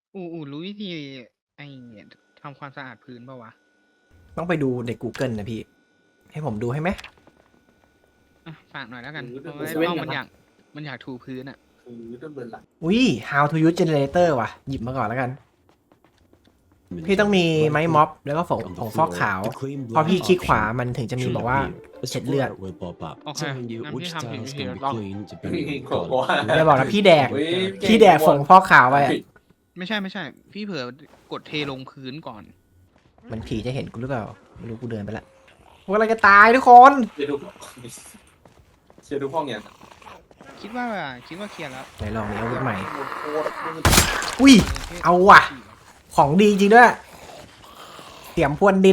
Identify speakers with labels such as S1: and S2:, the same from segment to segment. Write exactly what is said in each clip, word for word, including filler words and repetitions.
S1: อูอูรู้วิธีไอ้ทำความสะอาดพื้นป่าวะ
S2: ต้องไปดูใน Google นะพี่ ให้ผมดูให้ไหม
S1: อ่ะฝากหน่อยแล้วกัน
S3: หรือ
S1: เพราะ
S3: เดิ
S1: ว่าน
S3: เซเว่น
S1: ต้อง
S3: กั
S1: มัน น
S3: นะ
S1: อยากมันอยากถูพื้นอ่ะ
S3: คือเดินเบิร์นหลัง
S2: อุ้ย how to use generator ว่ะ หยิบมาก่อนแล้วกัน พี่ต้องมีไม้ม็อบแล้วก็ผงผงฟอกขาว พอพี่คลิกขวามันถึงจะมีบอกว่าเช็ดเลือด
S1: โอเคงั้นพี่ทำผิดวิธีแล้วลอง
S3: โกโก้
S2: จะบอกนะพี่แดก
S3: อุ๊ย
S2: พี่แดกผงฟอกขาวไปอะ
S1: ไม่ใช่ไม่ใช่ พี่เผลอกดเทลงพื้นก่อน
S2: มันผีจะเห็นกูหรือเปล่า ไม่รู้กูเดินไปละพวกเราจะตายทุกคน
S3: เชียร์ดูเชียร์ดูห้องอย่าง
S1: คิดว่าคิดว่าเคลียร์แล้ว
S2: ไหนลองมีอาวุธใหม่
S3: โคตร
S2: อุ้ย เอาว่ะ ของดีจริงด้วย เสียมพรวนดิน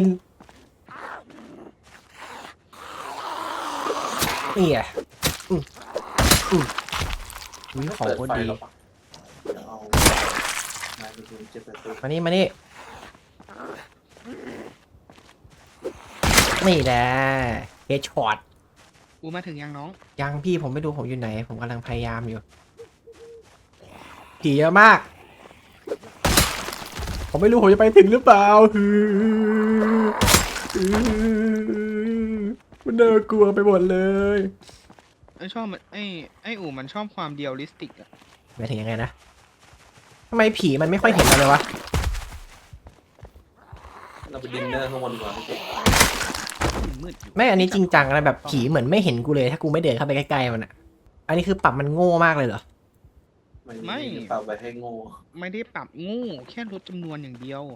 S2: นี่อ่ะอืมอืมอุ้ยของโคตรดี มานี่มานี่นี่แหละเฮดช็อต
S1: อูมาถึงยังน้อง
S2: ยังพี่ผมไม่ดูผมอยู่ไหน ผมกำลังพยายามอยู่ผีเยอะมาก ผมไม่รู้ผมจะไปถึงหรือเปล่าฮือฮือมันน่ากลัวไปหมดเลย
S1: ไอชอบมันไอไออูมันชอบความเดียลลิสติกอะ
S2: หมายถึงยังไงนะทำไมผีมันไม่ค่อยเห็นเราเลยวะ
S3: เราไปดินเนอร์ข้างบนดีกว่าพี่เก๋
S1: มืดอยู่
S2: ไม่อันนี้จริงจังอะไรแบบผีเหมือนไม่เห็นกูเลย ถ้ากูไม่เดินเข้าไปใกล้ๆมันอะอันนี้คือปรับมันโง่มากเลยเหรอ
S3: ไม่เปล่าไปให้โง่
S1: ไม่ได้ปรับโง่แค่ลดจำนวนอย่างเดียว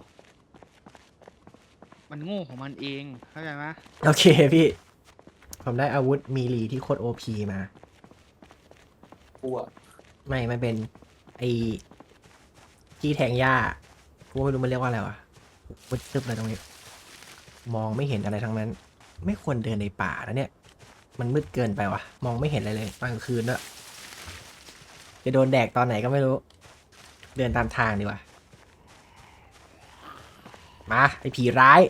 S1: มันโง่ของมันเองเข้าใจไหม
S2: โอเคพี่ ผมได้อาวุธมีลีที่โคตรโอพีมา
S3: กลัว
S2: ไม่มันเป็นไอ้ที่แทงหญ้ากูไม่รู้มันเรียกว่าอะไรวะมืดตึ๊บเลยตรงนี้ มองไม่เห็นอะไรทั้งนั้น ไม่ควรเดินในป่าแล้วเนี่ย มันมืดเกินไปวะมองไม่เห็นอะไรเลยตอนกลางคืนด้วยจะโดนแดกตอนไหนก็ไม่รู้ เดินตามทางดีกว่า มาไอ้ผีร้าย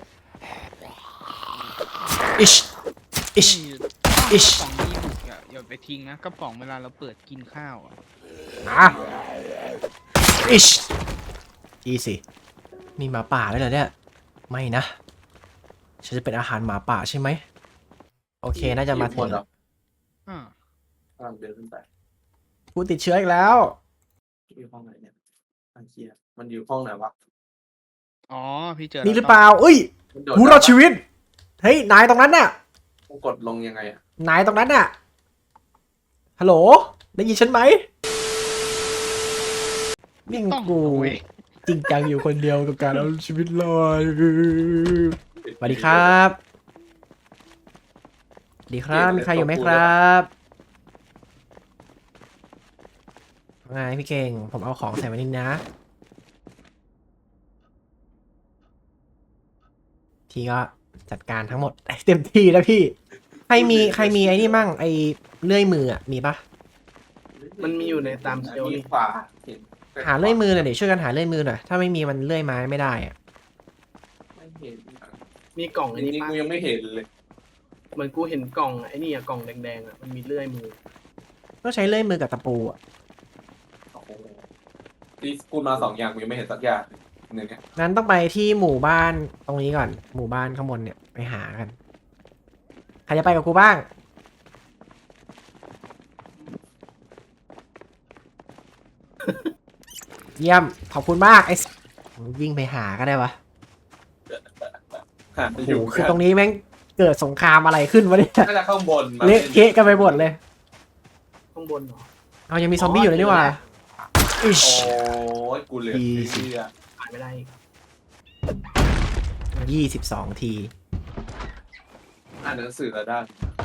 S2: อิช อิช อิช
S1: กระป๋องนี้บุกอย่าอย่าไปทิ้งนะกระป๋องเวลาเราเปิดกินข้าวอะ
S2: อ่ะอิชอีสิมีหมาป่าด้วยเหรอเนี่ย ไม่นะ ฉันจะเป็นอาหารหมาป่าใช่ไหม โอเค น่าจะมาถึง
S1: อ่าก
S3: ำลังเดินขึ้นไป
S2: กูติดเชื้ออีกแล้ว
S3: อยู่ห้องไหนเนี่ยอันเชียมันอยู่ห้องไหนวะ
S1: อ๋อพี่เจอ
S2: นี่หรือ
S1: แล้ว
S2: เปล่าอุ้ย
S3: มันโดด
S2: ผู้รอดชีวิต เฮ้ย นายตรงนั้นน่ะ
S3: ต้องกดลงยังไงอ่ะ
S2: นายตรงนั้นน่ะ ฮัลโหล ได้ยินฉันไหมนี่
S1: ต้อง
S2: กู
S1: เว้ย
S2: จริงจังอยู่คนเดียวกับการเอาชีวิตรอดสวัสดีครับสวัสดีครับ มีใครอยู่ไหมครับไงพี่เก่ง ผมเอาของใส่ไว้นี่นะ ทีก็จัดการทั้งหมด เต็มที่แล้วพี่ ใครมีใครมีไอ้นี่มั่งไอ้เลื่อยมืออ่ะ มีปะ
S4: มันมีอยู่ในตามเชลฟ์
S3: มี
S4: นี่
S3: ขวาเห็น
S2: หาเลื่อยมือหน่อยเดี๋ยวช่วยกันหาเลื่อยมือหน่อย ถ้าไม่มีมันเลื่อยไม้ไม่ได้อ่ะ
S3: ไม่เห็น
S4: มีกล่อง
S3: อั
S4: ไอ้
S3: น
S4: นี่
S3: นี้
S4: ปะ
S3: กูยังไม่เห็นเลย
S4: เหมือนกูเห็นกล่องไอ้นี่อะกล่องแดงๆอะมันมีเลื่อยมือ
S2: ต้องใช้เลื่อยมือกับตะปูอ่ะ
S3: โอ้โหที่กูมาสองอย่างกูยังไม่เห็นสักอย่างหนึ่งเนี่ย
S2: งั้นต้องไปที่หมู่บ้านตรงนี้ก่อน หมู่บ้านข้างบนเนี่ยไปหากัน ใครจะไปกับกูบ้าง เยี่ยม ขอบคุณมากไอ้สวิ่งไปหาก็ได้วะ
S3: หา
S2: โอ้
S3: อ
S2: โห
S3: ยู่
S2: คือตรงนี้แม่งเกิดสงครามอะไรขึ้นวะเนี่ย
S3: น่าจะข้างบนมา
S2: เละเทะกันไปหมดเลย
S4: ข้างบนเหรอ
S2: เอายังมีซอมบี้อยู่เลยนี่หว่าอิช
S3: โอ้ยกูเหลือ
S2: ดีสิ
S3: เชื่อ
S4: อ่านไม่ได้อีก
S2: ยี่สิบสองที
S3: อ่านหนังสือแล้วได้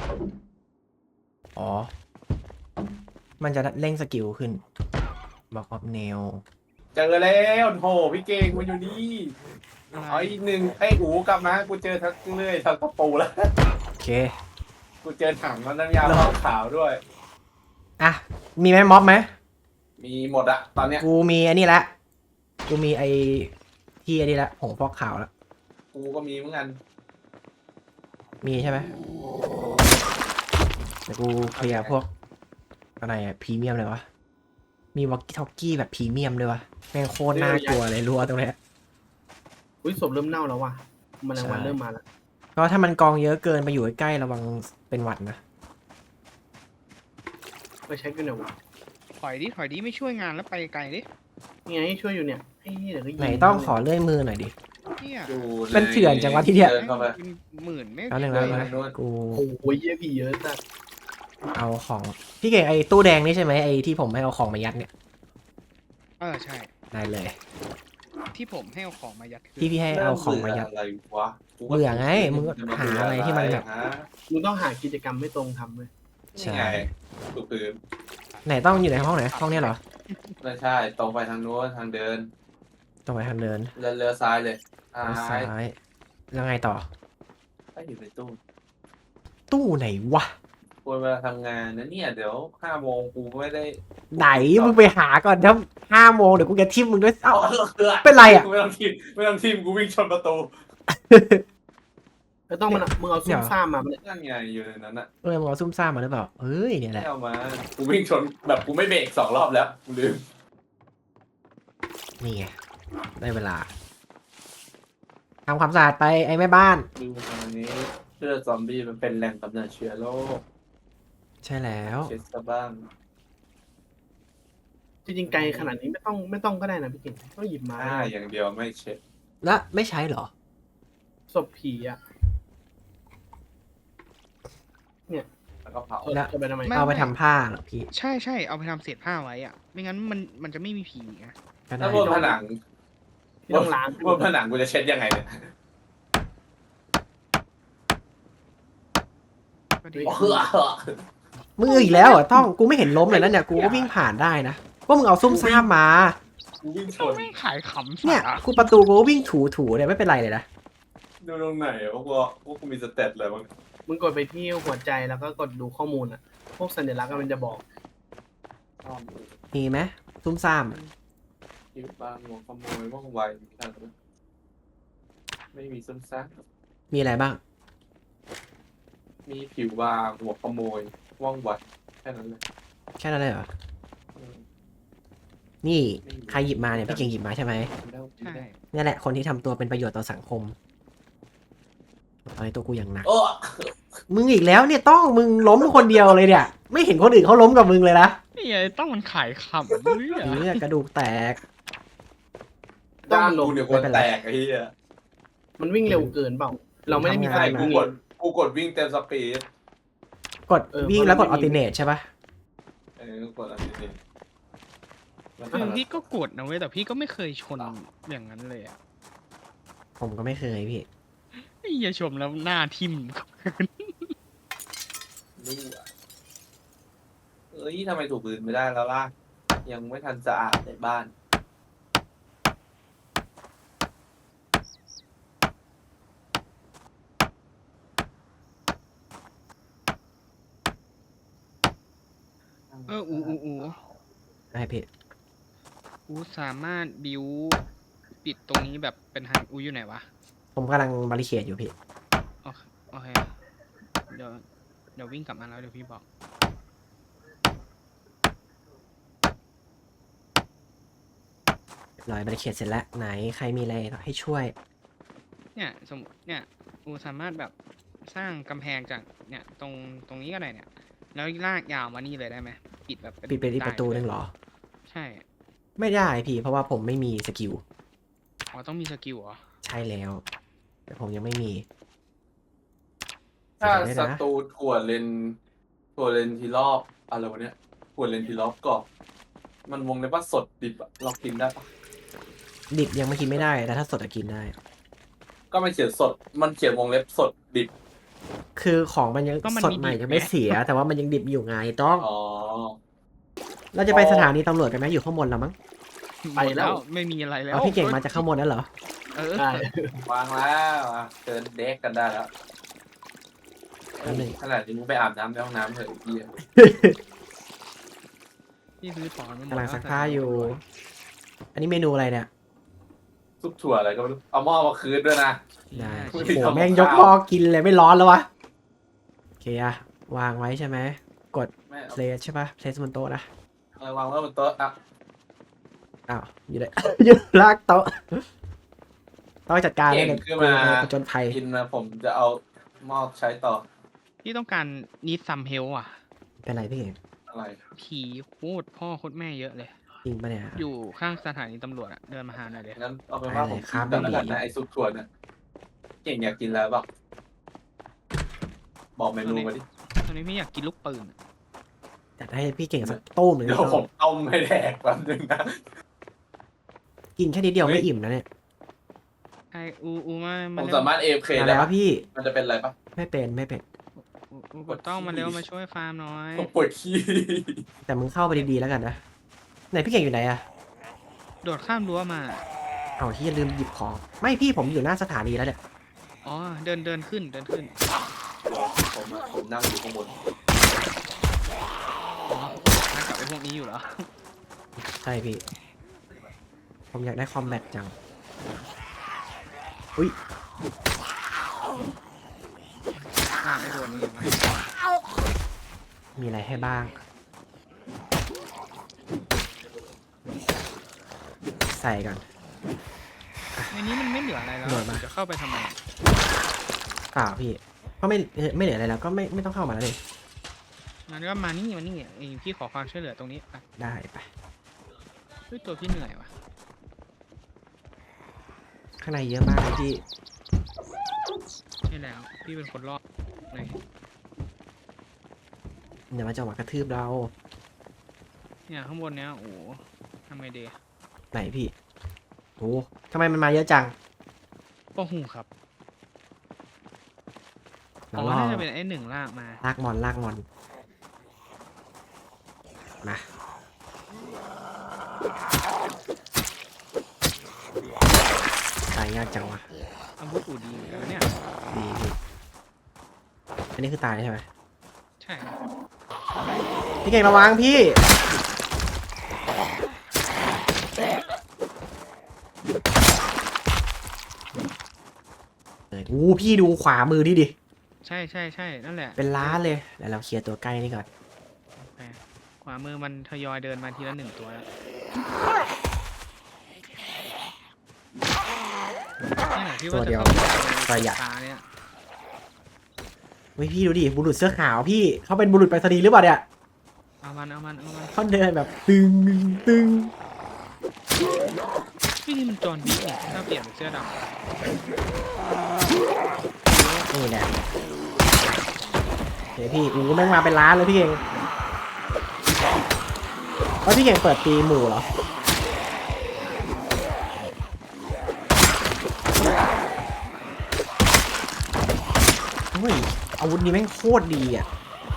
S2: อ๋อ มันจะเร่งสกิลขึ้น บอกออฟเนล
S3: เจอแล้วโหพี่เก่งมันอยู่นี่
S1: อะไร
S3: เอาอีกหนึ่งไอ้อูกลับมากูเจอทั้งเลื่อยทั้งตะปูแล้ว
S2: โอเค
S3: กูเจอถังน้ำยาขาวขาวด้วย
S2: อ่ะ มีไหมม็อบไหม
S3: มีหมดอะตอนเนี้ย
S2: กูมีอันนี้ละ กูมีไอที่อันนี้ละผงฟอกขาวละ
S3: กูก็มีเหมือนกัน
S2: มีใช่ไหมเดี๋ยวกูเคลียร์พวกอะไรอะพรีเมียมเลยวะมีวอกกี้ทอกกี้แบบพรีเมียมด้วยวะแม่งโคตรน่ากลัวเลยรั้วตรงเนี้ย
S4: อุ้ยศพเริ่มเน่าแล้วว่ะแมลงวัน
S2: ใช่
S4: เริ่มมาแล้ว
S2: ก็ถ้ามันกองเยอะเกินไปอยู่ใกล้ๆระวังเป็นหวัดนะ
S4: ไปเช็คกันหน่อยวะ
S1: ถอยดิถอยดิไม่ช่วยงานแล้วไปไกลดิ
S4: นี่ไงช่วยอยู่เนี่ยไอ้เหี้ยเดี๋ยวก็ยิง
S2: ไหนต้องขอเลื่อยมือหน่อยดิ
S1: เนี่ย
S3: อยู่
S2: เป็นเถื่อนจังวะที่เนี่ย
S3: ดิเข้าไป
S1: หมื่นไม่
S2: แล้วหนึ่ง
S1: ช่
S2: แล้ว
S1: วย
S2: นะ
S3: นู่น
S2: กู
S4: โอ้ยเหี้ยผีเยอะจัด
S2: เอาของพี่เก่งไอ้ตู้แดงนี่ใช่ไหมไอ้ที่ผมให้เอาของมายัดเนี่ย
S1: เออใช่
S2: ได้เลย
S1: ที่ผมให้เอาของมายัดคือ
S2: ที่พี่ให้เอาของมายัด
S3: อะไรวะกูก็
S2: เบื่อไงมึงก็หาอะไรที่มันแบบ
S3: ฮะ
S4: มึงต้องหากิจกรรมไม่ตรงทำเลย
S2: ใช่
S3: นี่ไงถูกพื้น
S2: ไหนต้องอยู่ในห้องไหนห้องเนี้ยเหรอ
S3: ไม่ใช่ตรงไปทางโน้นทางเดิน
S2: ตรงไปทางเดิน
S3: เลี้ยวเลี้ยวซ้ายเลยซ้า
S2: ซ้าย ยแล้วไงต่อ
S3: ก็อยู่ในตู้
S2: ตู้ไหนวะ
S3: ควรเวลาทำงานนะเนี่ยเดี๋ยวห้าโมงกูไม่ได้
S2: ไหนมึงไปหาก่อนถ้าห้าโมงเดี๋ยวกูจะทิมมึงด้วยเอ้า
S3: เอาเสือ
S2: เป็นไรอะ
S3: ไม่ต้องทีมไม่ต้องทีมกูวิ่งชนประตู
S4: แล้วต้องมันอะมึงเอาซุ่มซ่ามมามันย
S3: นั่นไงอยู่ในนั้นอะ
S2: เออมึงเอาซุ่มซ่ามมาหรือเปล่าเอ้ยเนี่ยแห
S3: ไม่
S2: ละ
S3: เอามากูวิ่งชนแบบกูไม่เบรกสองรอบแล้วกูลืม
S2: นี่ไงได้เวลาทำความสะอาดไปไอ้แม่บ้าน
S3: ดูตอนนี้เลือดซอมบี้มันเป็นแหล่งกำเนิดเชื้อโรค
S2: ใช่แล้ว
S3: เช็ดซะบ้าง
S4: จริงๆไกลขนาดนี้ไม่ต้องไม่ต้องก็ได้นะพี่เก่งก็หยิบมา
S3: อ่าอย่างเดียวไม่เช็ด
S2: และไม่ใช้เหรอ
S4: ศพผีอ่ะ
S3: แล้วก็เผา
S4: เอา
S2: แล้ว
S4: เอาไปทำไม
S2: เอาไปทำผ้าเหรอพี่
S1: ใช่ใช่เอาไปทำเศษผ้าไว้อ่ะ ไม่งั้นมันมันจะไม่มีผีไง
S2: ก็ได้
S3: ถ้าบนผนัง
S4: ที่ต้องล้าง
S3: บนผนังกูจะเช็ดยังไงเนี่ย
S1: ก็ดี
S3: เฮ้อ
S2: มึงอีกแล้วเหรอต้องกูไม่เห็นล้มเลยนะเนี่ยกูก็วิ่งผ่านได้นะว่ามึงเอาซุ่มซ่ามมา
S3: กูวิ่งช
S1: ต้อง
S3: น
S1: ไม่ขายขำ
S2: เนี่ย
S1: สา
S2: กูประตูกูก็วิ่งถูถูๆเนี่ยไม่เป็นไรเลยนะ
S3: ดูตรงไหนวะกูว่ากูมีสเตตเลยมั้ง
S4: มึงกดไปที่หัวใจแล้วก็กดดูข้อมูลอ่ะ พวกสัญลักษณ์อะมันจะบอก
S3: อ้อม
S2: มีไหมซุ่มซ่าม
S3: ผิวบางหัวขโมยว่องไวไม่มีซ้ำซัก
S2: มีอะไรบ้าง
S3: มีผิวบางหัวขโมยว่องไวแค่นั้นเลย
S2: แค่นั้นเลยเหรอ
S3: อืม
S2: นี่ใครหยิบมาเนี่ยพี่เก่งหยิบมาใช่ไหม
S3: แล้ว
S1: ใช่
S2: นี่แหละคนที่ทำตัวเป็นประโยชน์ต่อสังคมตอนนี้ตัวกูอย่างหนัก
S3: โอ้
S2: มึงอีกแล้วเนี่ยต้องมึงล้มคนเดียวเลยเนี่ย ไม่เห็นคนอื่นเขาล้มกับมึงเลยนะ
S1: นี่ไงต้องมันขายขำเฮ้ย
S2: เนี่ยกระดูกแตก
S3: ด้านกูเนี่ยคนแตกไอ้เหี้ย
S4: มันวิ่งเร็วเกินเปล่า เราไม่ได้มี
S2: ทำ
S4: ใค
S2: งาร น
S3: กู
S4: วิ่ง
S3: กดกูกดวิ่งเต็มสปีด
S2: กด
S4: เออ
S2: วิ่ง
S4: เพราะ
S2: แล้วกด
S4: เรา
S2: อ
S4: ไม่
S2: อ
S4: มี
S2: ติเนตใช่ปะ
S3: เออกดอะไรนี่แล้วก็
S1: คือพี่ก็กดนะเว้ยแต่พี่ก็ไม่เคยชนอย่างนั้นเลยอ่ะ
S2: ผมก็ไม่เคยพี่
S1: ไอ้เหี้ยชมแล้วหน้าทิ่ม
S3: รั่วเอ้ยทำไมถูกปืนไม่ได้แล้วล่ะ ยังไม่ทันสะอาดในบ้าน
S1: เอออูอูอู
S2: ได้พี่
S1: อูสามารถบิวปิดตรงนี้แบบเป็นทางอูอยู่ไหนวะ
S2: ผมกำลังบาริเคดอยู่พี่
S1: โอเคโอเคเดี๋ยวเดี๋ยววิ่งกลับมาแล้วเดี๋ยวพี่บอก
S2: ลอยบาริเคดเสร็จแล้วไหนใครมีอะไรให้ช่วย
S1: เนี่ยสมมติเนี่ยอูสามารถแบบสร้างกำแพงจากเนี่ยตรงตรงนี้ก็ได้เนี่ย แล้วลากยาวมานี่เลยได้ไหมปิดแบบ
S2: ปิดเป็นอีกประตูนึงเหรอ
S1: ใช่
S2: ไม่ได้พี่เพราะว่าผมไม่มีสกิล
S1: อ๋อต้องมีสกิลเหรอ
S2: ใช่แล้ว แต่ผมยังไม่มี
S3: ถ้า
S2: เสีย
S3: ส
S2: ดายนะ
S3: ตูดขวดเลนขวดเลนทีรอบอะไรวะเนี่ยขวดเลนทีรอบกรอบมันวงในว่าสดดิบอะเรากินได้ปะ
S2: ดิบยังไม่กินไม่ได้ แต่ถ้าสดอะกินได้
S3: ก็ไม่เขียนสด มันเขียนวงเล็บสดดิบ
S2: คือของมันยังสดใหม่ยังไม่เสีย แต่ว่ามันยังดิบอยู่ไงต้อง
S3: อ๋อ
S2: เราจะไปสถานีตำรวจกันไหมอยู่ข้างบนแล้วมั้ง
S4: ไปแล้ว
S1: ไม่มีอะไรแล้ว
S2: เอาพี่เก่งมาจากข้างบนนั่นเหรอ
S1: เออ
S4: ใช่
S3: วางแล้วอ่ะเชิญเด็กกันได้แล้ว
S2: อันหนึ่ง
S3: ขนาดนี้มึงไปอาบน้ำในห้องน้ำเถอะไอ้เหี้ย
S1: พี่ซื้อถอนมาหมด
S2: กำลัง
S1: แว
S2: ซักผ้าอยู่ อันนี้เมนูอะไรเนี่ย
S3: ซุปถั่วอะไรก็ไม่รู้เอาหม้อมาคืนด้วยนะ
S2: ได้
S3: ไม่
S2: โอ้
S3: มี
S2: โห
S3: ทำกับ
S2: แม่งยก
S3: ข้าว
S2: หม้อกินเลยไม่ร้อนแล้ววะ โอเคอะวางไว้ใช่ไหม กด
S3: แม่เอา
S2: เพลสใช่ปะเพลสบนโต๊ะนะ
S3: เออวางไว้บนโต๊ะอ่ะ
S2: อ้าวอยู่ได้ อยู่ลากโต๊ะต้องจัดการ
S3: เก่ง
S2: เลย
S3: ขึ้นมา
S2: ประจนภัย
S3: กินนะผมจะเอาหม้อใช้ต่อ
S1: พี่ต้องการนีดซัมเฮลอ่ะ
S2: เป็นไรพี่เก่ง
S3: อะไร
S1: ผีโคตรพ่อโคตรแม่เยอะเลย
S2: จริงปะเนี่ย
S1: อยู่ข้างสถานีตำรวจอะเดินมาหาหน่อยเดี๋ยว
S3: งั้นเอาเป็นว่า
S2: ได้
S3: ผ
S2: เล
S3: ม
S2: ย
S3: กิ
S2: ครับ
S3: นกันแล้วกัน
S2: ไม่
S3: นะ
S2: มี
S3: ไอ้ซุปถั่วเนี่ยเก่งอยากกินแล้วป่ะบอกเมนูมาดิ
S1: ตอนนี้พี่อยากกินลูกปืนอะ
S2: จัดให้พี่เก่งสักต้มหนึ่ง
S3: เดี๋ยวผมต้มให้แดกแป๊บนึงนะ
S2: กินแค่นิดเดียว
S3: เฮ้ย
S2: ไม่อิ่มนะเนี่ย
S1: ไออูอูมา
S3: ผม
S1: เร็ว
S3: สามารถ เอ เอฟ เค
S2: มา
S3: ได้
S2: แล้ว
S3: ปะ
S2: พี่
S3: มันจะเป็นอะไรปะ
S2: ไม่เป็นไม่เป็น
S1: อูอูกดต้องมาเร็วมาช่วยฟาร์มหน่อย
S3: ผมปวดขี้
S2: แต่มึงเข้าไปดีๆแล้วกันนะไหนพี่เก่งอยู่ไหนอะ
S1: โดดข้ามรั้วมา
S2: เอาที่ลืมหยิบของไม่พี่ผมอยู่หน้าสถานีแล้วเนี่ย
S1: อ๋อเดินเดินขึ้นเดินขึ้น
S3: ผมอะผมนั่งอยู่ข้างบน
S1: อ๋อนั่งกับไอ้พวกนี้อยู่เหรอ
S2: ใช่พี่ ผมอยากได้คอมแบทจังอุ้ย
S1: อ่าไอ้โดนนี่มา
S2: มีอะไรให้บ้าง ใส่กัน
S1: ในนี้มันไม่เหลืออะไรแล้ว
S2: โดดมา
S1: จะเข้าไปทำไม
S2: เปล่าพี่ก็ไม่เอ่อไม่เหลืออะไรแล้วก็ไม่ไม่ต้องเข้ามาแล้วเลย
S1: มันก็มานี่มานี่ไอ้พี่ขอความช่วยเหลือตรงนี้ไป
S2: ได้ไป
S1: เฮ้ยตัวพี่เหนื่อยว่ะ
S2: ข้างในเยอะมากเลยพี่
S1: ใช่แล้วพี่เป็นคนรอดเลย
S2: เดี๋ยวมันจะมากระทืบเรา
S1: เนี่ยข้างบนเนี้ยโอ้โหทำไงดี
S2: ไหนพี่โอ้ทำไมมันมาเยอะจัง
S1: ก็หูครับ ผ
S2: เรา
S1: ม
S2: ล่
S1: ว่า
S2: อ
S1: น่าจะเป็นไอ้หนึ่งลากมา
S2: ลากมอนลากมอนมาตายยากจังวะ
S1: อาวุธอูดีเหมือนกันนะเนี่ย
S2: ดีพี่อันนี้คือตายใช่ไหม
S1: ใช่
S2: พี่เก่งระวังพี่เออโอ้พี่ดูขวามือดิดิ
S1: ใช่ใช่ใช่นั่นแหละ
S2: เป็นล้านเลยแล้วเราเคลียร์ตัวใกล้นี่ก่อน
S1: แหมขวามือมันทยอยเดินมาทีละหนึ่งตัวแล้วนี่แหละพี่ว่าจะเข้าไปในตาเนี่ย
S2: เฮ้ยพี่ดูดิบุรุษเสื้อขาวพี่เขาเป็นบุรุษไปรษณีย์หรือเปล่าเนี่ย
S1: เอามันเอามันเอามัน
S2: เขาเดินแบบตึงตึง
S1: พี่นี่มันจอห์นวิกเนี่ยถ้าเปลี่ยนเป็นเสื้อดำ
S2: นี่แหละเฮ้ยพี่อู้แม่งมาเป็นล้านเลยพี่เก่งว่าพี่เก่งเปิดตีหมู่เหรอเฮ้ยอาวุธนี้แม่งโคตรดีอ่ะ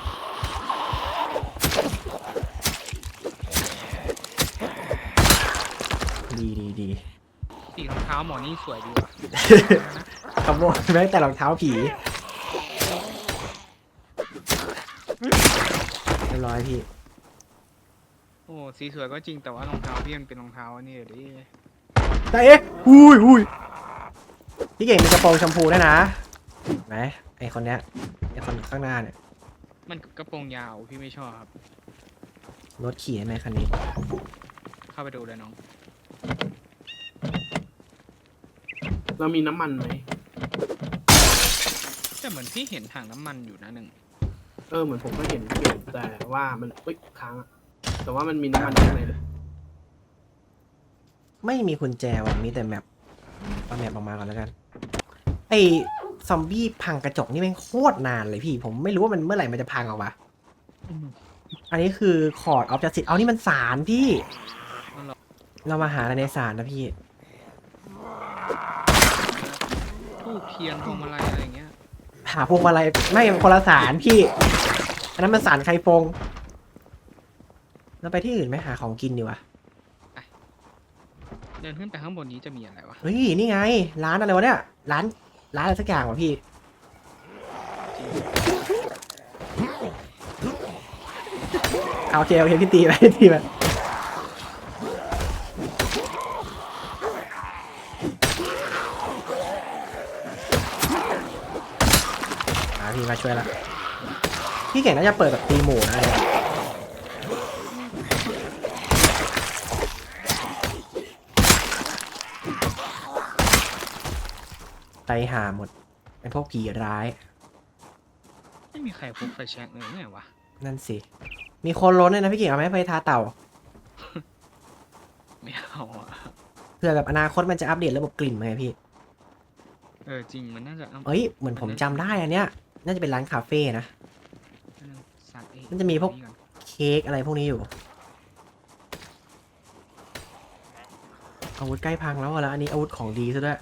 S2: ดีดีดี
S1: สีรองเท้าหมอนี่สวยดีว่ะ
S2: ขโมยแม้แต่รองเท้าผีเรียบร้อยพี่
S1: โอ้สีสวยก็จริงแต่ว่ารองเท้าพี่มันเป็นรองเท้าอันนี่เดี๋ยวดิ
S2: แต่เอ๊ะอุ้ยอุ้ยพี่เก่งมีกระโปรงชมพูด้วยนะเห็นไหมไอคนเนี้ยไอคนข้างหน้าเนี่ย
S1: มันกระโปรงยาวพี่ไม่ชอบครับ
S2: รถขี่ได้ไหมคันนี้
S1: เข้าไปดูเลยน้อง
S4: เรามีน้ำมันไหม
S1: แต่เหมือนพี่เห็นถังน้ำมันอยู่นะหนึ่ง
S4: เออเหมือนผมก็เห็นอยู่แต่ว่ามันเอ้ยค้างอะแต่ว่ามันมีน้ำมันอยู่ข้างในเลย
S2: ไม่มีกุญแจว่ะมีแต่แมปเอาแมปออกมาก่อนแล้วกันไอซอมบี้พังกระจกนี่แม่งโคตรนานเลยพี่ ผมไม่รู้ว่ามันเมื่อไหร่มันจะพังออกมาอันนี้คือคอร์ดออฟจัสติสเอานี่มันสารพี่ เรามาหาอะไรในสารนะพี่
S1: ทูบเทียนพวงมาลัยอะไรอย่างเงี้ย
S2: หาพวงมาลัยไม่คนละสารพี่ อันนั้นมันสารไข่ฟงเราไปที่อื่นไหมหาของกินดีกว่า
S1: เดินขึ้นไปข้างบนนี้จะมีอะไรวะ
S2: เฮ้ยนี่ไง ร้านอะไรวะเนี่ยร้านร้านอะไรสักอย่างวะพี่เอาโอเคโอเคพี่ตีไปพี่ตีไปมาพี่มาช่วยละพี่เก่งน่าจะเปิดแบบตีหมู่นะเนี่ยไตหาหมดไอพวกผีร้าย
S1: ไม่มีใครพกไฟแช็กเลยไงวะ
S2: นั่นสิ มีคนล้นเลยนะพี่เก่งเอาไหมไปทาเต่า
S1: ไม่เอาอ่ะ
S2: เพื่อแบบอนาคตมันจะอัปเดตระบบกลิ่นไหมพี่
S1: เออจริงมันน่าจะเอา
S2: เอ้ยเหมือนผมจำได้อันเนี้ยน่าจะเป็นร้านคาเฟ่นะ
S1: สัตว์เอง
S2: มันจะมีพวก เค้กอะไรพวกนี้อยู่ อาวุธใกล้พังแล้วอะแล้วอันนี้อาวุธของดีซะด้วย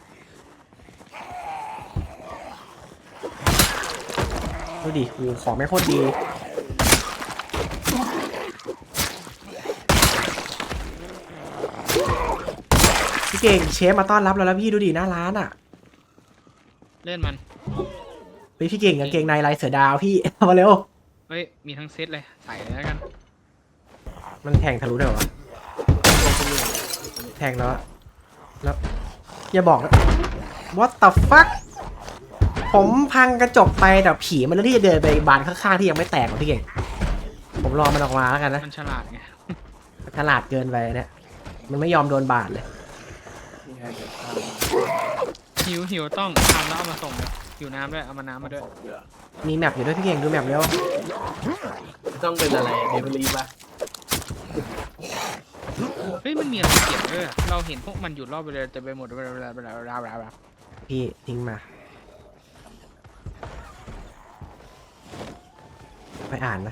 S2: ดูดิโอ้ของไม่โคตรดีพี่เก่งเชฟมาต้อนรับเราแล้วพี่ดูดิหน้าร้านอ่ะ
S1: เล่นมัน
S2: เฮ้ยพี่เก่งกางเกงในลายเสือดาวพี่ เอามาเร็ว
S1: เฮ้ยมีทั้งเซตเลยใส่เลยแล้วกัน
S2: มันแทงทะลุได้เหรอวะแทงแล้วอะแล้วอย่าบอกนะ what the fuck ผมพังกระจกไปแต่ผีมันเลือกที่จะเดินไปบานข้างๆที่ยังไม่แตกหรอพี่เก่งผมรอมันออกมาแล้วกันนะ
S1: มันฉลาดไง
S2: ฉลาดเกินไปเนี่ยมันไม่ยอมโดนบาดเลย
S3: นี่ไงเดี๋ยวข้าม
S1: หิวหิวต้องทำแล้วเอามาส่งเลยหิวน้ำด้วยเอามาน้ำมาด้วย
S3: เบื่อ
S2: มีแมปอยู่ด้วยพี่เก่งดูแมปเร็ว
S4: ต้องเป็นอะไรเดลิเวอรี่ป่ะ
S1: เฮ้ยมันมีอะไรเกี่ยวด้วยอะเราเห็นพวกมันอยู่รอบไปเลยแต่ไปหมดเวลาเวลาเวลาเวลาเวลาเวลา
S2: พี่ทิ้งมาไปอ่านนะ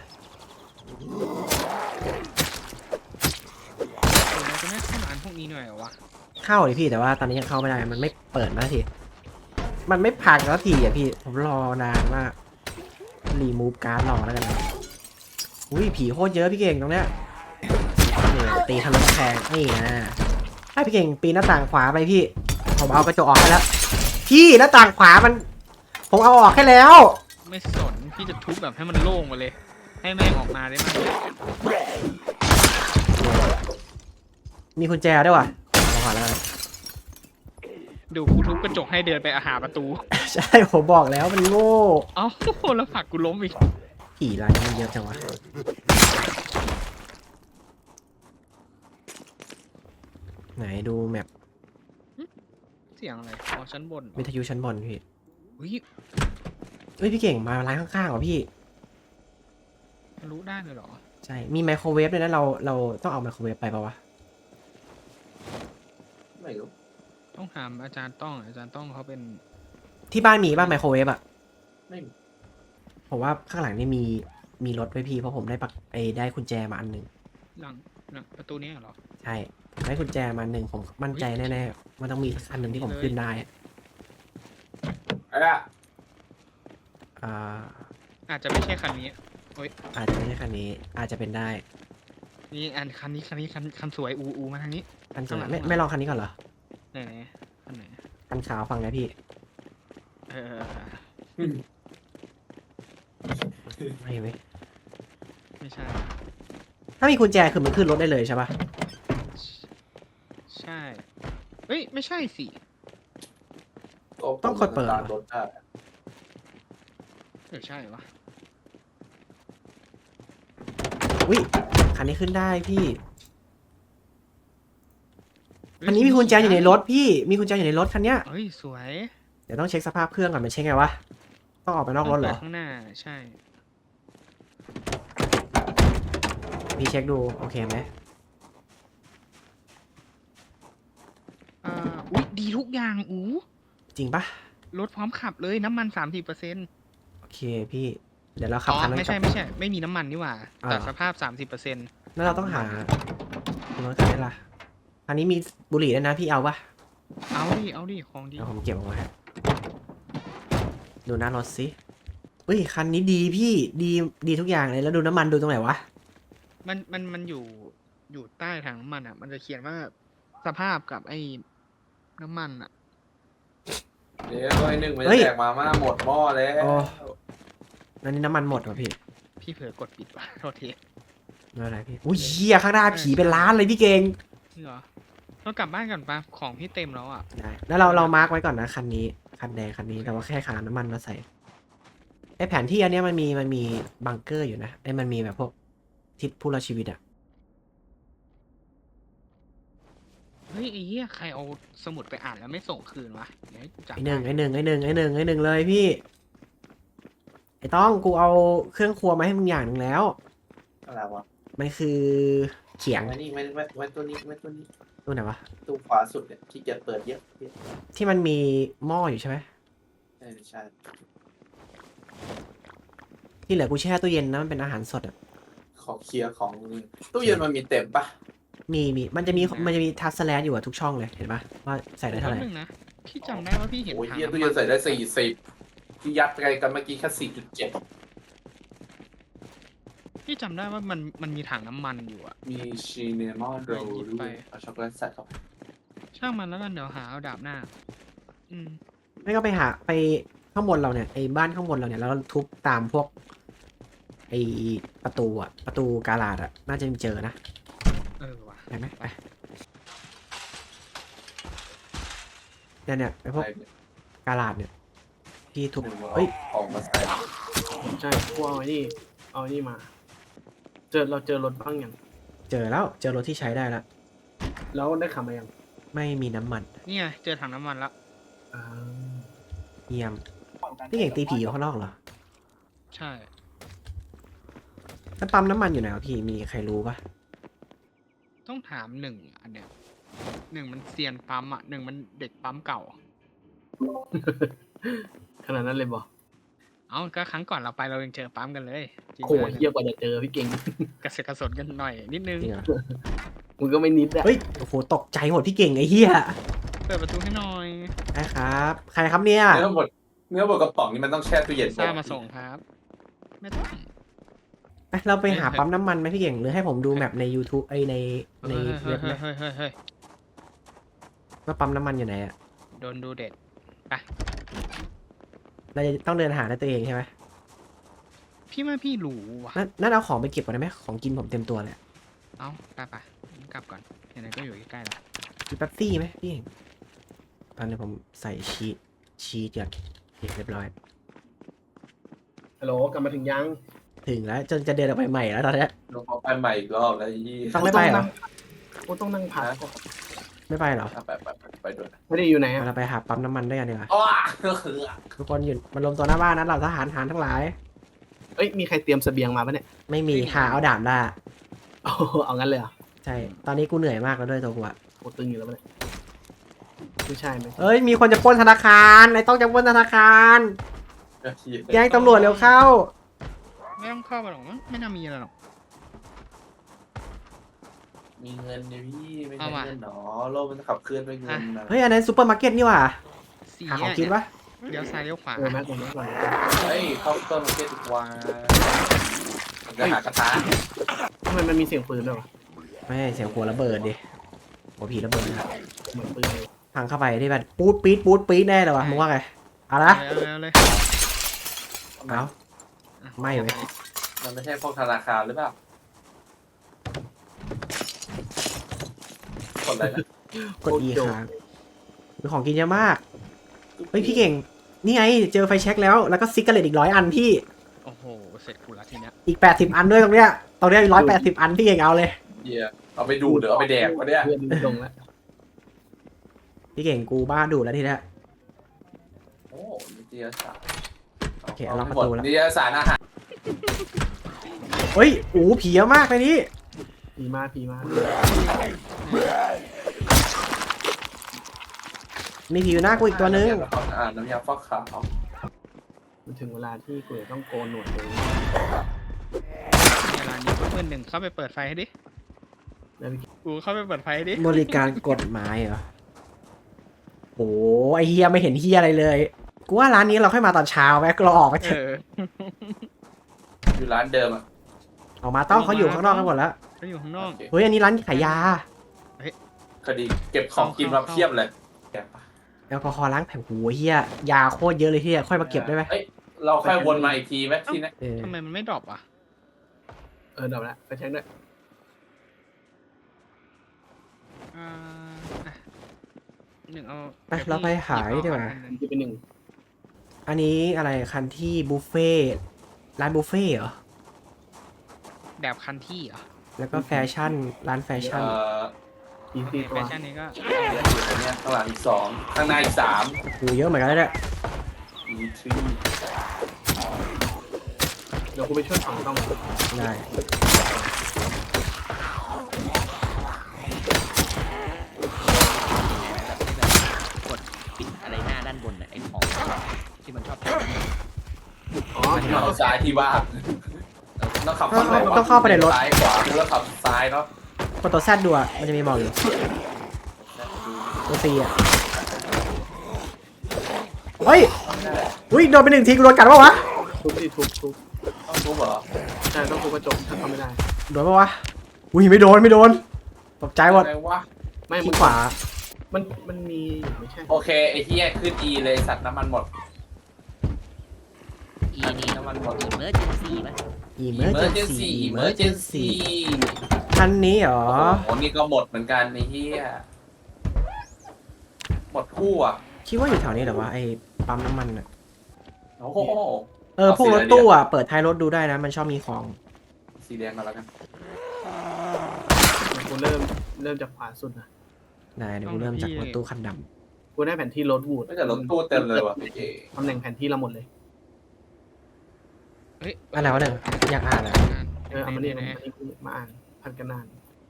S1: เราจะไม่เข้าร้านพวกนี้หน่อยเหรอวะ
S2: เข้าเลยพี่แต่ว่าตอนนี้ยังเข้าไม่ได้มันไม่เปิดมาสักทีมันไม่พังแล้วทีอ่ะพี่ผมรอนานมากรีมูฟการ์ดรอแล้วกันนะอุ้ยผีโคตรเยอะพี่เก่งตรงเนี้ยนี่ตีทะลุกำแพงนี่นะให้พี่เก่งปีนหน้าต่างขวาไปพี่ผมเอากระจกออกให้แล้วพี่หน้าต่างขวามันผมเอาออกให้แล้ว
S1: ไม่สนพี่จะทุบแบบให้มันโล่งมาเลย ให้แม่งออกมาได้มั้ย
S2: มีกุญแจด้วยว่ะเอาก่อนแล้วกัน
S1: ดูกูทุบกระจกให้เดินไปอาหาประตู
S2: ใช่ผมบอกแล้วมันโง่
S1: เอ้าแล้วผลักกูล้มอีก
S2: ผีรายนี้มันเยอะจังวะไหนดูแมป
S1: เสียงอะไรอ๋อชั้นบนเหรอ
S2: วิทยุชั้นบนพี่
S1: เฮ้ย
S2: เฮ้ยพี่เก่งมาร้านข้างๆเหรอพี่
S1: รู้ได้เลยเหรอ
S2: ใช่ มีไมโครเวฟด้วยนะ เรา เราต้องเอาไมโครเวฟไปปะวะ
S3: ไม่รู้
S1: ต้องถามอาจารย์ต้องอาจารย์ต้องเขาเป็น
S2: ที่บ้านมีป่ะไมโครเวฟอะ
S3: ไม่มี
S2: ผมว่าข้างหลังนี่มี มีรถไว้พี่ เพราะผมได้ปักไอ้ได้กุญแจมาอันหนึ่ง
S1: หลังหลังประตูเนี้ยเหรอ
S2: ใช่ผมได้กุญแจมาอันหนึ่งผมมั่นใจแน่ๆ มันต้องมีสักอันหนึ่งที่ผมขึ้นได้อะ
S3: ไอ้อะ
S2: อ่า
S1: อาจจะไม่ใช่คันนี้
S2: อาจจะไม่ใช่คันนี้ อาจจะเป็นได้
S1: นี่อันคันนี้คันนี้คันคันสวยอูอูมาทางนี้
S2: คันสวย
S1: ข้างหลัง
S2: ไม่ไม่ลองคันนี้ก่อนเหรอ
S1: ไหนไหนคันไหน
S2: คันขาวฟังนะพี่
S1: เออ
S2: ไม่ไหม
S1: ไม่ใช่
S2: ถ้ามีกุญแจคือมันขึ้นรถได้เลยใช่ปะ
S1: ใช่เฮ้ยไม่ใช่สิ
S2: ต้องกดเปิด
S3: ตา
S2: เหรอ
S3: รถได้
S1: เออใช่วะ
S2: อุ้ยคันนี้ขึ้นได้พี่ อันนี้มีกุญแจอยู่ในรถพี่ มีกุญแจอยู่ในรถคันเนี้ย
S1: เฮ้ยสวย
S2: เดี๋ยวต้องเช็คสภาพเครื่องก่อนมันเช็คไงวะ ต้องออกไปนอกรถเหรอ
S1: ต้งปิดข้างหน้าใช่
S2: พี่เช็คดูโอเคไหม
S1: อ่าอุ้ยดีทุกอย่างอู
S2: จริงปะ
S1: รถพร้อมขับเลยน้ำมันสามสิบเปอร์เซ็นต์
S2: โอเคพี่ เดี๋ยวเราขับ
S1: อ๋อ
S2: คันนั้น
S1: ไม่
S2: กลั
S1: ใช่
S2: บ
S1: ไม่ใช่ ไม่มีน้ำมันนี่หว่า
S2: อ่า
S1: แต่สภาพสามสิบเปอร์เซ็นต์
S2: แล้วเราต้องหาคุณรถคันนี้ล่ะคันนี้มีบุหรี่ด้วยนะพี่เอาปะ
S1: เอาดิเอาดิของดี
S2: เดี๋ยวผมเก็บเอาไว้ดูหน้ารถสิเฮ้ยคันนี้ดีพี่ดีดีทุกอย่างเลยแล้วดูน้ำมันดูตรงไหนวะ
S1: มันมันมันอยู่อยู่ใต้ถังน้ำมันอ่ะ มันจะเขียนว่าสภาพกับไอ้น้ำมันอ่ะ
S3: เดี๋ยวไอ้หนึ่งมัน
S2: เฮ้
S3: จะ
S2: ย
S3: แตกมาม่าหมดหม้อแล้ว
S2: โอ้ นั่นนี่น้ำมันหมดว่ะพี่
S1: พี่เผลอกดปิดว่ะโทษที
S2: ไม่เป็นไรพี่อุ้ยเหี้ยข้างหน้าผีเป็นล้านเลยพี่เก่ง
S1: จริงเหรอเรากลับบ้านก่อนปะของพี่เต็มแล้วอ่ะ
S2: ได้แล้วเราเรามาร์กไว้ก่อนนะคันนี้คันแดงคันนี้แต่ว่าแค่ขาน้ำมันมาใส่ไอแผนที่อันเนี้ยมันมีมันมีบังเกอร์อยู่นะไอมันมีแบบพวกทิศผู้รอดชีวิตอะ
S1: ฮ้ยไอ้เหี้ยใครเอาสมุดไปอ่านแล้วไม่ส่งคืนวะเดี๋ยวให้กูจับ
S2: ไอหนึ่ง
S1: ได้
S2: ไอหนึ่งไอหนึ่งไอหนึ่งไอหนึ่งเลยพี่ไอต้องกูเอาเครื่องครัวมาให้มึงอย่างหนึ่งแล้ว
S3: อะไรวะ
S2: มันคือเขียง
S3: ไว้นี่ไว้ไว้ไว้ตัวนี้ไว้ตัวนี้
S2: ตัวไหนวะ
S3: ตู้ขวาสุดเนี่ยที่เกียจเปิดเยอะเยอะ
S2: ที่มันมีหม้ออยู่ใช่ไหม
S3: ใช่ใช่
S2: ที่เหลือกูแช่ตู้เย็นนะมันเป็นอาหารสดอ่ะ
S3: ขอเคลียร์ของนี่ตู้เย็นมันมีเต็มปะ
S2: มีมีมันจะมีมันจะมีทัชสแลนอยู่อะทุกช่องเลยเห็นปะว่าใส่ได้เท่าไหร่
S1: แป๊บนึงนะพี่จำได้ว่าพี่เห็น
S3: โอ้ย
S1: ถัง
S3: เฮีย
S1: น้ำ
S3: ตู้
S1: มั
S3: เย็น
S1: น
S3: ใส่ได้สี่สิบที่ยัดไปกันเมื่อกี้แค่สี่จุดเจ็ด
S1: พี่จำได้ว่ามันมันมีถังน้ำมันอยู่อะ
S3: มีชีเนมอนโรล
S1: หยิบ
S3: ด้
S1: ไป
S3: วยเอาช็อกโกแลตใส่เข้าไป
S1: ช่างมันแล้วกันเดี๋ยวหาเอาดาบหน้า อืม
S2: ไม่ก็ไปหาไปข้างบนเราเนี่ยไอ้บ้านข้างบนเราเนี่ยแล้วก็ทุบตามพวกไอ้ประตูอะประตูกาลาดอะน่าจะมีเจอนะ
S1: เออว่ะ
S2: ไปไหมไปเนี่ยเนี่ยไอ้พวก
S3: ไปเนี่ย
S2: กาลาดเนี่ยที่ทุบ
S3: หนึ่งเอา
S2: เฮ้ย
S3: ออกมาใส่
S4: ใช่กูเอาไอ้นี่เอาไอ้นี่มา เจอเราเจอรถบ้างยัง
S2: เจอแล้วเจอรถที่ใช้ได้แล้ว
S4: แล้วได้ขับมายัง
S2: ไม่มีน้ำมัน
S1: นี่ไงเจอถังน้ำมันแล้ว
S4: อ่า
S2: เยี่ยมพี่เก่งตีผีอยู่ข้างนอกเหรอ
S1: ใช่
S2: แล้วปั๊มน้ำมันอยู่ไหนวะพี่มีใครรู้ปะ
S1: ต้องถามหนึ่งอันเนี้ยหนึ่งมันเซียนปั๊มอ่ะหนึ่งมันเด็กปั๊มเก่า
S4: ขนาดนั้นเลยบอก
S1: เอ้าก็ครั้งก่อนเราไปเรายังเจอปั๊มกันเลยจริง
S4: โหเยี่ยกว่าจะเจอพี่เก่ง
S1: กระเสือกกระสนกันหน่อยนิดนึง
S2: จริงเหรอ
S4: มึงก็ไม่นิดอะ
S2: เฮ้ยโอ้โหตกใจหมดพี่เก่งไอ้เหี้ย
S1: เปิดประตูให้หน่อย
S2: ได้ครับ ใครครับเนี่ย
S3: เนื้อบดเนื้อบดกระป๋องนี่มันต้องแช่ตู้เย็น
S1: ซ่ามาส่งครับ ไม่ต้อง
S2: ไปเราไปหาปั๊มน้ำมันไหมพี่เก่งหรือให้ผมดูแมปใน YouTube ไอยในใน
S1: เฮ้
S2: เว็
S1: ย
S2: บไหม
S1: เฮ้ยเฮ้ยเฮ้ยเฮ้ย
S2: ว่าปั๊มน้ำมันอยู่ไหนอะ
S1: โดนดูเด็ด
S2: เราจะต้องเดินหาด้วยตัวเองใช่ไหม
S1: พี่ว่าพี่รู้ว่ะ
S2: นั่นนั่นเอาของไปเก็บก่อนได้ไหมของกินผมเต็มตัวเลย
S1: เอ้าไปไปกลับก่อนไหนๆก็อยู่ใกล้ๆแล้ว
S2: มีแป๊บซี่ไหมพี่เก่งตอนนี้ผมใส่ชีสชีสก่อนโอเคเรียบร้อย
S4: ฮัลโหลกลับมาถึงยัง
S2: ถึงแล้วจนจะเดินออกไปใหม่แล้วตอนเนี้ย
S3: ลงเอาไปใหม่อีกรอบแล้วยี่
S2: ต้องไม่ไปเหรอ
S4: กูต้องนั่งพักก่อน
S2: ไม่ไปเหรอ
S3: ไปไปไปไปด้วย
S4: ไม่ได้อยู่ไหนอะ
S2: เราไปหาปั๊มน้ำมันด้วยกันดีกว่า
S3: อ้าก็คือ
S2: ทุกคนอยู่มารวมตัวหน้าบ้านนะเราทหารทหารทั้งหลาย
S4: เอ้ยมีใครเตรียมเสบียงมาปะเนี่ย
S2: ไม่มีหาเอาดาบได้
S4: โอ้โหเอางั้นเลยเหรอ
S2: ใช่ ตอนนี้กูเหนื่อยมากแล้วด้วยตัวกูอะ
S4: โคตึงอยู่แล้วปะเนี่ยไม่ใช่ไหม
S2: เอ้ยมีคนจะปล้นธนาคารไอ้ต้องจะปล้นธนาคารแจ้งตำรวจเร็วเข้า
S1: ไม่ต้องเข้าไปหรอกมั้งไม่น่ามีอะไรหรอก
S3: มีเงินเนี่ยพี่ไม่
S1: เอา
S3: ใช่
S1: มา
S3: เงินหนอโลกมันขับเคลื่อนด้วยเงินนะ
S2: เฮ้ยอันนั้นซูเปอร์มาร์เก็ตนี่หว่า
S1: สี
S2: หาของกินปะ
S1: เลี้ยวซ้ายเลี้ยวขวา
S4: เออแม็กซ์แม็กซ์ก่อน
S3: เฮ้ยเข้าต้นมาร์เก็ตดีกว่าจะหากระทะ
S4: ทำไมมันมีเสียงปืนด้วยวะ
S2: ไม่เสียงหัวระเบิดดิหัวผีระเบิดนะ
S4: เหมือนปืนเลย
S2: พังเข้าไปที่แบบปูดปี๊ดปูดปี๊ดแน่เลยวะมึงว่าไงเอาละ
S1: เอาเลยเอาเลย
S2: เอา
S1: อ่ะ
S2: ไม่เว้ย
S3: มันไม่ใช่พวกธนาคารหรือเปล่าคนอะไรนะ
S2: กด E ค้างมีของกินเยอะมากเฮ้ยพี่เก่งนี่ไงเจอไฟแช็กแล้วแล้วก็ซิกเกอร์เลตอีกร้อยอันพี่
S1: โอ้โหเสร็จกูละทีเนี้ย
S2: อีกแปดสิบอันด้วยตรงเนี้ยตรงเนี้ยร้อยแปดสิบอันพี่เก่งเอาเลย
S3: เฮียเอาไปดูดหรือเอาไปแดกวะเนี่ย
S4: เพื่อนมันลงแล้ว
S2: พี่เก่งกูบ้าดูแล้วทีเนี้ย
S3: โอ้นิตยสาร
S2: โอเคเอาล็อกประตูแล้ว
S3: นิตยสารอาหาร
S2: เฮ้ยโอ้โหผีเยอะมากในนี้
S4: ผีมากผีมาก
S2: มีผีอยู่หน้ากูอีกตัวนึง
S3: อ่าน้ำยาฟอกขาว
S4: มันถึงเวลาที่กูจะต้องโกนหนวดเลย
S1: เวลานี้เพื่อนหนึ่งเข้าไปเปิดไฟให้ดิ
S4: แล้วพี่
S1: กูเข้าไปเปิดไฟให้ดิ
S2: บริการกฎหมายเหรอโอ้ไอเฮียไม่เห็นเฮียอะไรเลย กูว่าร้านนี้เราค่อยมาตอนเช้าไหมกรอออกไปเถ
S1: เอ
S2: อะ
S1: อ
S3: อยู่ร้านเดิมอ่ะ
S2: ออกมาต้องเขาอยู่ข้างนอกกันหมดแล้ว
S1: เขาอยู่ข้างนอก
S3: โอเค
S2: เฮ้ยอันนี้ร้านขายยา
S3: คดีเก็บของกินมาเพียบเลยแกะปะ
S2: แอลกอฮอล์ล้างแผลโอ้เฮียยาโคตรเยอะเลยเฮียค่อยมาเก็บได้ไหม
S3: เอ้ยเราค่อยวนมาอีกทีไหมที่นี่
S2: เออ
S1: ทำไมมันไม่ดรอปอ่ะ
S4: เออเดี๋ยวละไปเช็คด้วย
S1: อ่าอ่ะหนึ่งเอา
S2: ไปเราไปหายดีกว่า
S4: มันจะเป็นหนึ่ง
S2: อันนี้อะไรคันที่บุฟเฟ่ต์ร้านบุฟเฟ่ต์เหรอ
S1: แบบคันที่เหรอ
S2: แล้วก็แฟชั่นร้านแฟชั่น
S3: เอ่อ
S4: อีกสี่ตั
S1: แฟ
S4: ว
S1: ชั่นนี้ก็
S3: เนี่ยอยู่ตรงเนี้ยข้างหลังอีกสองข้างหน้าอีกสาม
S2: กูเยอะเหมือนกันแล้วเนี่ย
S3: อีทรี
S4: เดี๋ยวกูไปช่วยฝั่งต้อง
S2: ได้
S5: กดปิดอะไรหน้าด้านบนน่ะไอ้ของที่มันชอบ
S4: อ๋อ
S3: เอาซ้ายที่ว่างต้องขับ
S2: ต้องเข้าต้องเข้าไปในรถ
S3: ซ้ายขวาแล้วขับซ้ายเนาะ
S2: กดตัวแซดดูอะมันจะมีบอกอยู่ตัวซีอะเฮ้ยอุ้ยโดนไปหนึ่งทีกูโดนกัดปะวะ
S4: ทุบที่ทุบทุบ
S3: ต้องทุบเหรอ
S4: ใช่ต้องทุบกระจกถ้าทำไม่ได้
S2: โดนปะวะอุ้ยไม่โดนไม่โดนตกใจหมด
S3: อะไรวะ
S4: ไม่
S2: ที่
S4: มัน
S2: ขวา
S4: มันมันมีอยู่ไม่ใช่
S3: โอเคไอ้เหี้ยขึ้น E เลยสัตว์น้ำมันหมด
S5: อีนี่
S3: น้ำมันหมด
S5: อีเมอร์เจนซี่ไหม
S2: emergency
S3: emergency
S2: คันนี้เหรอ
S3: โอ้โหนี่ก็หมดเหมือนกันไอ้เหี้ยหมดคู่อ่ะ
S2: คิดว่าอยู่แถวนี้เหรอวะไอ้ปั๊มน้ำมันอะ
S3: โอ้โห
S2: เออพวกรถตู้อะเปิดท้ายรถดูได้นะมันชอบมีของ
S3: สีแดงมาแล้วกัน
S4: กูเริ่มเริ่มจากขวาสุดนะ
S2: ได้เดี๋ยวกูเริ่มจากรถตู้คันด
S4: กูได้แผนที่รถวูด
S3: ไม่แต่รถตู้เต็มเลยว่ะพี่เจ
S4: ตำแหน่งแผนที่เราหมดเลย
S1: เฮ้ย
S2: ำอะไรวะเนี่ยอยากอ่านอะ
S4: เออเอามาเนี่ย
S1: ไห
S4: มาน นี่กูมาอ่านพันกันนาน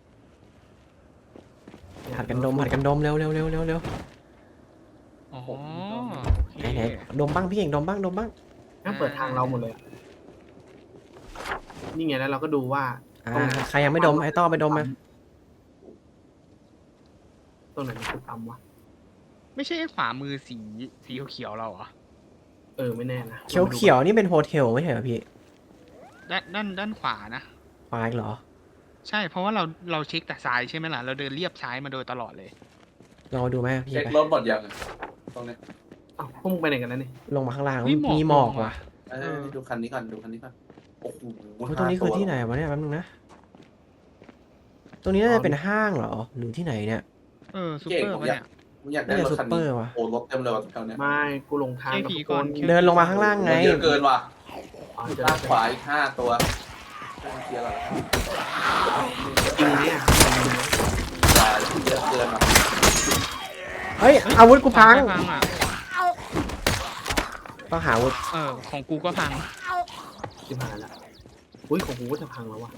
S2: ผัดกันดมผัดกันดมเร็วเร็วเร็วเร็วเร็ว
S1: ๆอ๋อ
S2: ไหนไหนดมบ้างพี่เก่งดมบ้างดมบ้าง
S4: นั่งเปิดทางเราหมดเลยอะนี่ไงแล้วเราก็ดูว่า
S2: อ่าใครยังไม่ดมไอ้ต้อไปดมมา
S4: ตรงไหนมันคือปั๊มวะ
S1: ไม่ใช่ขวามือสีสีเขียวๆเราเหรอ
S4: เออไม่แน่นะ
S2: เขียวเขียวๆนี่เป็นโฮเทลไม่ใช่เหรอพี่
S1: ด้านด้านด้านขวานะ
S2: ควายเหรอ
S1: ใช่เพราะว่าเราเราเช็คแต่ซ้ายใช่ไหมล่ะเราเดินเรียบซ้ายมาโดยตลอดเลย
S2: ลองมาดูไหมพี่
S3: เช็ค
S2: ไป
S3: รถหมดยังอะตรงเนี้ย
S4: อ้าวพวกมึงไปไหนกันแล้วนี่
S2: ลงมาข้างล่าง
S1: มีหมอก
S2: มีหมอก
S1: ลง
S2: ว่ะ
S1: มา
S3: เอ้ยดูคันนี้ก่อนดูคันนี้ก่อนโอ้โห
S2: โอ้ยตรงนี้คือที่ไหนวะเนี่ยแป๊บนึงนะ ตรงนี้น่าจะเป็นห้างเหรอหรือที่ไหนเนี่ย
S1: เออซูเปอร์ปะเนี่ย
S3: ผมอยากได้
S2: น่าจะ
S3: รถคัน
S2: ซุปเปอ
S3: นี้
S2: ร์ว่ะ
S3: โอ้รถเต็มเลยว่ะแถวเนี้ย
S4: ไม่กูหลงทางกับ
S1: เคพี
S4: ทุก
S1: ก่
S4: ค
S1: อน
S4: น
S2: เดินลงมาข้างล่างไง
S3: เยอะเกินว่ะ
S4: อ๋อเจอ
S3: ด้านขวาอีกห้าตัวเคลียร์ก่อน
S4: จริงเนี่ย
S3: ขวาเยอะเกินว่ะ
S2: เฮ้ยอาวุธกูพัง
S1: ไม่พังอ่ะ
S2: ต้องหาอาวุธ
S1: เออของกูก็พัง
S4: ที่ผ่านละอุ้ยของกูก็จะพังแล้ววะ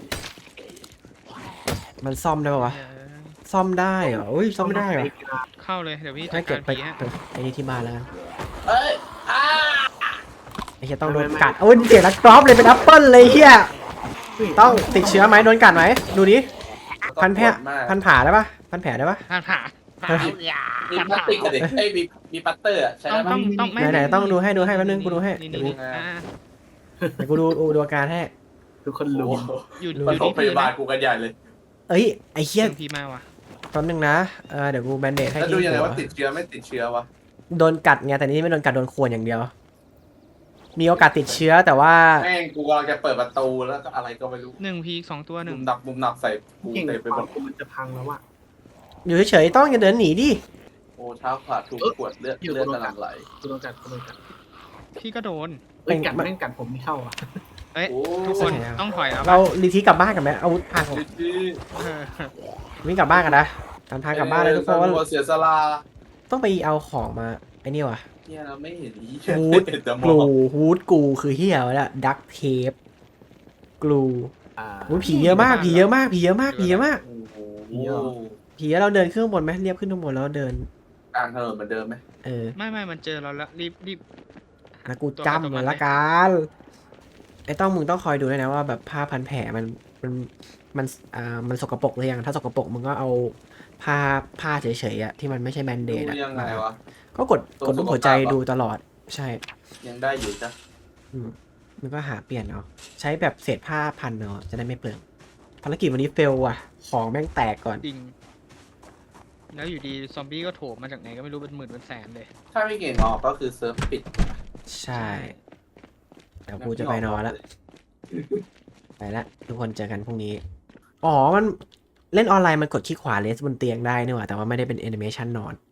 S2: มันซ่อมได้ปะวะ
S1: เออ
S2: ซ่อมได้เหรออุ้ยซ่อมไม่ได้เหรอ
S1: เข้าเลยเดี๋ยวพี่จั
S2: ให้
S1: ด
S2: เก็
S1: กา
S2: บ
S1: ร
S2: ไป
S1: ผีฮะ
S2: ไปไอ้นี่ที่บ้านแล้วกัน
S3: เอ้ยอ้า
S2: ไอ้เหี้ยต้องโดนกัดโอ้ยเสียงนักกรอบเลยเป็นแอปเปิลเลยเฮียต้องติดเชื้อไหมโดนกัดไหมดูดิพันแผลพันผ่าได้ปะพันแผลได้ปะ
S1: ผ่านผ่า
S5: เอาอย่า
S3: มีพลาสติกอะดิเอ้ยมีมีปัตเตอร์อะใช่
S1: ต้อง
S3: ไหม
S1: ต้องต้องไม่
S2: ไหนๆต้องดูให้ดูให้แป๊บนึงกูดูให้
S1: นี่
S2: เดี๋ยว
S1: นี่
S2: กู
S1: อ่า
S2: เดี๋ยวกูดูดูอาการให้
S4: ทุกคน
S3: โอ้
S4: รู้
S3: โห
S1: อยู่อ
S3: ป
S1: ยู่
S3: ฐม
S1: ที่
S3: พ
S1: พี่
S3: ยาบา
S1: นะ
S3: ลกูกันใหญ่เลย
S2: เอ้ยไอ้เหี้ย
S1: เสียงพี่มาว่ะ
S2: แป๊บนึงนะเออเดี๋ยวกูแบนเดดให้
S3: แล้ว
S2: ที่
S3: ดูยังไง
S2: หัว
S3: ว่าติดเชื้อไม่ติดเชื้อวะ
S2: โดนกัดไงแต่นี่ไม่โดนกัดโดนข่วนอย่างเดียว มีโอกาสติดเชื้อแต่ว่า
S3: แม่งกูกำลังจะเปิดประตูแล้วก็อะไรก็ไม่รู้
S1: หนึ่งพีสองตัวห
S3: มุ
S1: นึ่ง
S3: มหนักมุมหนักใส่กู
S4: เก่ง
S3: เต็มไปหมด
S4: กูมันจะพังแล้ววะ
S2: อยู่เฉยๆต้องอย่าเดินหนีดิ
S3: โอ้เท้าขาดถูกขวดเลือดเลือดกำลังไหล
S4: กูโดนกัดกูโดนกัด
S1: พี่ก็โดน
S4: เอ้ยกัดแม่งกัดผมไม่เข้าอ่ะ
S1: เอ้ย
S3: โอ้
S1: ทุกคนต้องถอยแล้ว
S2: เรารีทีกลับบ้านกันไหมอาวุธพัง
S3: ดิจิ
S1: เออ
S2: วิ่งกลับบ้านกันนะตามทางกลับบ้านเลยทุกคน
S3: เสียสละ
S2: ต้องไปเอาของมาไอ้นี่ว่ะ
S3: เนี่ยเราไม่เห็นอี
S2: ฮูด
S3: เห็นแต่หม
S2: กลู
S3: อก
S2: ฮูดกูคือเฮียวะเนี่ยดักเทปกลู
S4: อ่า
S2: อุ๊ยผีเยอะมากผีเยอะมากผีเยอะมากผีเยอะมาก
S3: โอ้โห
S2: ผีเยอะเราเดินขึ้นข้างบนไหมเรียบขึ้นข้างบนแล้วเดิน
S3: กลางถนนเหมือนเดิมไหม
S2: เออ
S1: ไม่ไม่มันเจอเราแล้วรีบรีบ
S2: นะกูจำมันละกันไอ้ต้องมึงต้องคอยดูด้วยนะว่าแบบผ้าพันแผลมันมันมันอ่ามันสกปรกหรือยังถ้าสกปรกมึงก็เอาผ้าผ้าเฉยๆอะที่มันไม่ใช่แบนเด
S3: ดู
S2: ดอะ
S3: ยังไงวะ
S2: ก็กด
S3: ตัว
S2: กดรูปหัวใจ
S3: สุขภาพอะ
S2: ดูตลอดใช่
S3: ยังได้อยู่จ้ะ
S2: อืมมันก็หาเปลี่ยนเอาใช้แบบเศษผ้าพันเนาะจะได้ไม่เปลืองภารกิจวันนี้เฟลว่ะ ของแม่งแตกก่อน
S1: ดิ่งแล้วอยู่ดีซอมบี้ก็โถมมาจากไหนก็ไม่รู้เป็นหมื่นเป็นแสนเลย
S3: ถ้าไม่เก่งออกก็คือเซิร์ฟปิด
S2: ใช่เดี๋ยวกูจะไปนอนแล้วไปละทุกคนเจอกันพรุ่งนี้อ๋อมันเล่นออนไลน์มันกดคลิกขวาเลสบนเตียงได้นี่หว่าแต่ว่าไม่ได้เป็นแอนิเมชันนอน